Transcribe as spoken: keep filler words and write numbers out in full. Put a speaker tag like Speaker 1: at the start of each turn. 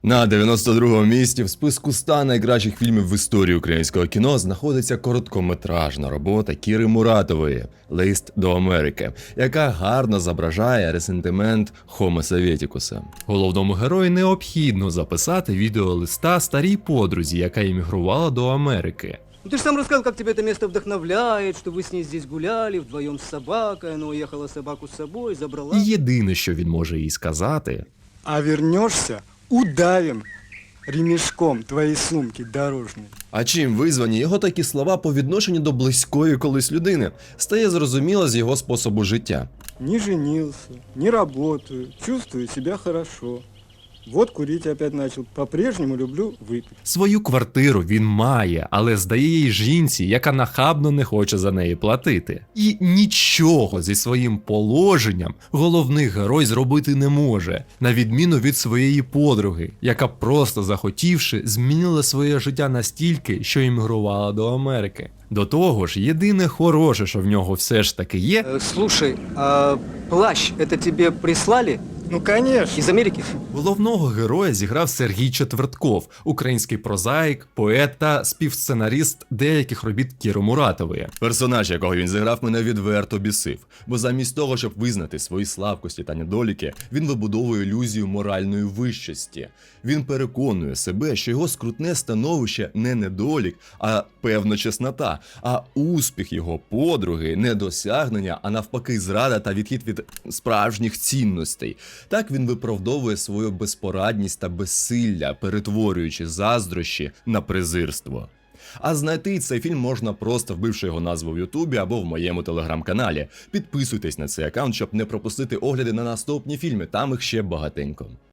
Speaker 1: На дев'яносто другому місці в списку ста найкращих фільмів в історії українського кіно знаходиться короткометражна робота Кіри Муратової «Лист до Америки», яка гарно зображає ресентимент Хомо Советікуса. Головному герою необхідно записати відеолиста старій подрузі, яка емігрувала до Америки.
Speaker 2: Ну ты же сам рассказал, как тебя это место вдохновляет, что вы с ней здесь гуляли вдвоем с собакой, она уехала собаку с собой, забрала.
Speaker 1: І єдине, що він може їй сказати:
Speaker 3: А вернешься, удавим ремешком твои сумки дорожные.
Speaker 1: а чим визвані його такі слова по відношенню до близької колись людини, стає зрозуміло з його способу життя.
Speaker 3: Не женился, не работаю, чувствую себя хорошо. Вот курить опять начал. По-прежнему люблю выпить.
Speaker 1: Свою квартиру він має, але здає їй жінці, яка нахабно не хоче за неї платити. І нічого зі своїм положенням головний герой зробити не може, на відміну від своєї подруги, яка просто захотівши змінила своє життя настільки, що іммігрувала до Америки. До того ж, єдине хороше, що в нього все ж таки є,
Speaker 2: Э, слушай, а плащ это тебе прислали
Speaker 3: Ну конечно.
Speaker 2: из Америки?
Speaker 1: головного героя зіграв Сергій Четвертков, український прозаїк, поет та співсценаріст деяких робіт Кіри Муратової. Персонаж, якого він зіграв, мене відверто бісив, бо замість того, щоб визнати свої слабкості та недоліки, він вибудовує ілюзію моральної вищості. Він переконує себе, що його скрутне становище не недолік, а певна чеснота, а успіх його подруги не досягнення, а навпаки зрада та відхід від справжніх цінностей. Так він виправдовує свою безпорадність та безсилля, перетворюючи заздрощі на презирство. А знайти цей фільм можна просто вбивши його назву в Ютубі або в моєму телеграм-каналі. Підписуйтесь на цей аккаунт, щоб не пропустити огляди на наступні фільми, там їх ще багатенько.